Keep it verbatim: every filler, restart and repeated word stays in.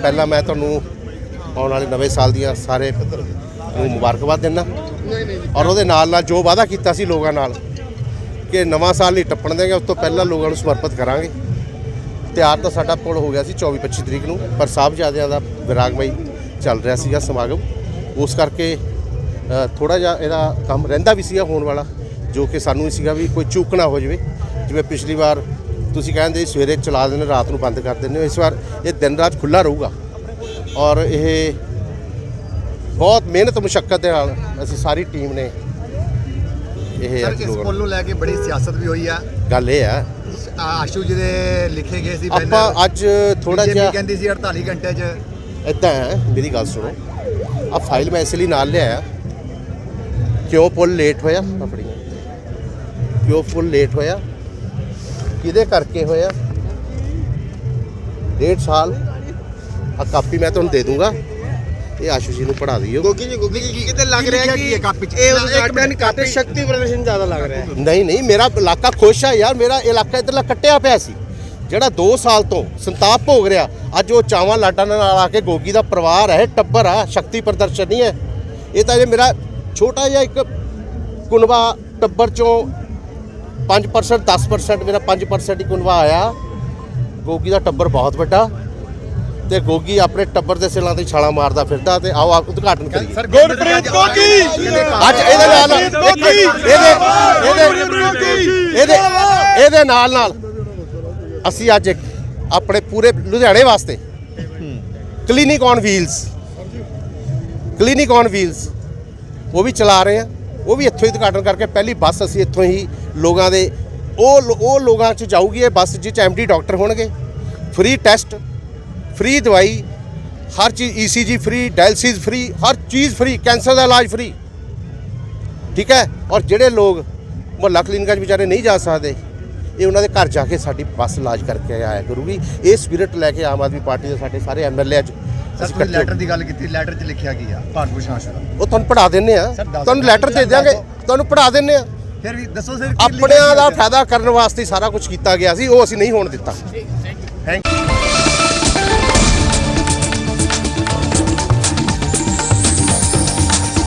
ਪਹਿਲਾਂ ਮੈਂ ਤੁਹਾਨੂੰ ਆਉਣ ਵਾਲੇ ਨਵੇਂ ਸਾਲ ਦੀਆਂ ਸਾਰੇ ਨੂੰ ਮੁਬਾਰਕਬਾਦ ਦਿੰਦਾ ਔਰ ਉਹਦੇ ਨਾਲ ਨਾਲ ਜੋ ਵਾਅਦਾ ਕੀਤਾ ਸੀ ਲੋਕਾਂ ਨਾਲ ਕਿ ਨਵਾਂ ਸਾਲ ਨਹੀਂ ਟੱਪਣ ਦੇਂਗੇ, ਉਸ ਤੋਂ ਪਹਿਲਾਂ ਲੋਕਾਂ ਨੂੰ ਸਮਰਪਿਤ ਕਰਾਂਗੇ। ਤਿਆਰ ਤਾਂ ਸਾਡਾ ਪੁਲ ਹੋ ਗਿਆ ਸੀ ਚੌਵੀ ਪੱਚੀ ਤਰੀਕ ਨੂੰ, ਪਰ ਸਾਹਿਬਜ਼ਾਦਿਆਂ ਦਾ ਵਿਰਾਗਮਈ ਚੱਲ ਰਿਹਾ ਸੀਗਾ ਸਮਾਗਮ, ਉਸ ਕਰਕੇ ਥੋੜ੍ਹਾ ਜਿਹਾ ਇਹਦਾ ਕੰਮ ਰਹਿੰਦਾ ਵੀ ਸੀਗਾ ਹੋਣ ਵਾਲਾ, ਜੋ ਕਿ ਸਾਨੂੰ ਹੀ ਸੀਗਾ ਵੀ ਕੋਈ ਚੂਕ ਨਾ ਹੋ ਜਾਵੇ। ਜਿਵੇਂ ਪਿਛਲੀ ਵਾਰ ਤੁਸੀਂ ਕਹਿੰਦੇ ਸਵੇਰੇ ਚਲਾ ਦਿੰਦੇ ਰਾਤ ਨੂੰ ਬੰਦ ਕਰ ਦਿੰਦੇ ਹੋ, ਇਸ ਵਾਰ ਇਹ ਦਿਨ ਰਾਤ ਖੁੱਲ੍ਹਾ ਰਹੂਗਾ ਔਰ ਇਹ ਬਹੁਤ ਮਿਹਨਤ ਮੁਸ਼ੱਕਤ ਦੇ ਨਾਲ ਅਸੀਂ ਸਾਰੀ ਟੀਮ ਨੇ ਇਹ ਸਰ ਇਸ ਪੁੱਲ ਨੂੰ ਲੈ ਕੇ ਬੜੀ ਸਿਆਸਤ ਵੀ ਹੋਈ ਆ। ਗੱਲ ਇਹ ਆ ਆਸ਼ੂ ਜੀ ਦੇ ਲਿਖੇ ਗਏ ਸੀ ਆਪਾਂ ਅੱਜ ਥੋੜਾ ਜਿਹਾ ਕਹਿੰਦੀ ਸੀ ਅੜਤਾਲੀ ਘੰਟੇ 'ਚ ਇੱਦਾਂ ਹੈ। ਮੇਰੀ ਗੱਲ ਸੁਣੋ, ਆ ਫਾਈਲ ਮੈਂ ਇਸ ਲਈ ਨਾਲ ਲਿਆਇਆ ਕਿਉਂ ਪੁੱਲ ਲੇਟ ਹੋਇਆ, ਆਪਣੀ ਕਿਉਂ ਪੁੱਲ ਲੇਟ ਹੋਇਆ, ਕਿਹਦੇ ਕਰਕੇ ਹੋਇਆ। ਡੇਢ ਸਾਲ ਆ ਕਾਪੀ ਮੈਂ ਤੁਹਾਨੂੰ ਦੇ ਦੂੰਗਾ, ਇਹ ਆਸ਼ੂ ਜੀ ਨੂੰ ਪੜ੍ਹਾ ਦਿਓ। ਗੋਗੀ ਜੀ ਗੋਗੀ ਜੀ ਕਿਤੇ ਲੱਗ ਰਿਹਾ ਕਿ ਕਾਪੀ 'ਚ ਇਹ ਉਦਘਾਟਨ ਕਾਪੀ ਸ਼ਕਤੀ ਪ੍ਰਦਰਸ਼ਨ ਜ਼ਿਆਦਾ ਲੱਗ ਰਿਹਾ ਹੈ। ਨਹੀਂ ਨਹੀਂ, ਮੇਰਾ ਇਲਾਕਾ ਖੁਸ਼ ਆ ਯਾਰ, ਮੇਰਾ ਇਲਾਕਾ ਇੱਧਰਲਾ ਕੱਟਿਆ ਪਿਆ ਸੀ ਜਿਹੜਾ ਦੋ ਸਾਲ ਤੋਂ ਸੰਤਾਪ ਭੋਗ ਰਿਹਾ। ਅੱਜ ਉਹ ਚਾਵਾਂ ਲਾਡਾਂ ਨਾਲ ਆ ਕੇ ਗੋਗੀ ਦਾ ਪਰਿਵਾਰ ਹੈ, ਟੱਬਰ ਆ, ਸ਼ਕਤੀ ਪ੍ਰਦਰਸ਼ਨ ਨਹੀਂ ਹੈ ਇਹ ਤਾਂ। ਜੇ ਮੇਰਾ ਛੋਟਾ ਜਿਹਾ ਇੱਕ ਕੁਨਬਾ ਟੱਬਰ 'ਚੋਂ ਪੰਜ ਪਰਸੈਂਟ ਦਸ ਪਰਸੈਂਟ ਮੇਰਾ ਪੰਜ ਪਰਸੈਂਟ ਹੀ ਕੁਨਬਾ ਆਇਆ। ਗੋਗੀ ਦਾ ਟੱਬਰ ਬਹੁਤ ਵੱਡਾ ਤੇ ਗੋਗੀ ਆਪਣੇ ਟੱਬਰ ਦੇ ਸਿਲਾਂ ਤੇ ਛਾਲਾਂ ਮਾਰਦਾ ਫਿਰਦਾ। ਤੇ ਆਓ ਆਪ ਉਦਘਾਟਨ ਕਰੀਏ। ਗੁਰਪ੍ਰੀਤ ਗੋਗੀ ਅੱਜ ਇਹਦੇ ਨਾਲ ਇਹਦੇ ਇਹਦੇ ਇਹਦੇ ਨਾਲ ਨਾਲ ਅਸੀਂ ਅੱਜ ਇੱਕ ਆਪਣੇ ਪੂਰੇ ਲੁਧਿਆਣੇ ਵਾਸਤੇ clinic on wheels clinic on wheels ਉਹ ਵੀ ਚਲਾ ਰਹੇ ਆ। ਉਹ ਵੀ ਇੱਥੋਂ ਹੀ ਉਦਘਾਟਨ ਕਰਕੇ ਪਹਿਲੀ ਬੱਸ ਅਸੀਂ ਇੱਥੋਂ ਹੀ ਲੋਕਾਂ ਦੇ ਉਹ ਉਹ ਲੋਕਾਂ 'ਚ ਜਾਊਗੀ ਇਹ ਬੱਸ ਜਿਸ 'ਚ ਐਮ ਡੀ ਡਾਕਟਰ ਹੋਣਗੇ, ਫ੍ਰੀ ਟੈਸਟ, ਫ੍ਰੀ ਦਵਾਈ, ਹਰ ਚੀਜ਼, ਈ ਸੀ ਜੀ ਫ੍ਰੀ, ਡਾਇਲਸਿਸ ਫ੍ਰੀ, ਹਰ ਚੀਜ਼ ਫ੍ਰੀ, ਕੈਂਸਰ ਦਾ ਇਲਾਜ ਫ੍ਰੀ, ਠੀਕ ਹੈ। ਔਰ ਜਿਹੜੇ ਲੋਕ ਮੁਹੱਲਾ ਕਲੀਨਿਕਾਂ 'ਚ ਵਿਚਾਰੇ ਨਹੀਂ ਜਾ ਸਕਦੇ, ਇਹ ਉਹਨਾਂ ਦੇ ਘਰ ਜਾ ਕੇ ਸਾਡੀ ਬੱਸ ਇਲਾਜ ਕਰਕੇ ਆਇਆ ਕਰੂਗੀ। ਇਹ ਸਪਿਰਿਟ ਲੈ ਕੇ ਆਮ ਆਦਮੀ ਪਾਰਟੀ ਦੇ ਸਾਡੇ ਸਾਰੇ ਐਮ ਐਲ ਏ ਅੱਜ ਅਸੀਂ ਲੈਟਰ ਦੀ ਗੱਲ ਕੀਤੀ, ਲੈਟਰ 'ਚ ਲਿਖਿਆ ਕੀ ਆ ਭਾਰਤ ਭੂਸ਼ਣ ਆਸ਼ੂ ਦਾ? ਉਹ ਤੁਹਾਨੂੰ ਪੜ੍ਹਾ ਦਿੰਦੇ ਆ, ਤੁਹਾਨੂੰ ਲੈਟਰ ਦੇ ਦਿਆਂਗੇ, ਤੁਹਾਨੂੰ ਪੜ੍ਹਾ ਦਿੰਦੇ ਆ। ਫਿਰ ਵੀ ਦੱਸੋ ਸਰ, ਆਪਣਿਆਂ ਦਾ ਫਾਇਦਾ ਕਰਨ ਵਾਸਤੇ ਸਾਰਾ ਕੁਝ ਕੀਤਾ ਗਿਆ ਸੀ, ਉਹ ਅਸੀਂ ਨਹੀਂ ਹੋਣ ਦਿੱਤਾ। Thank you.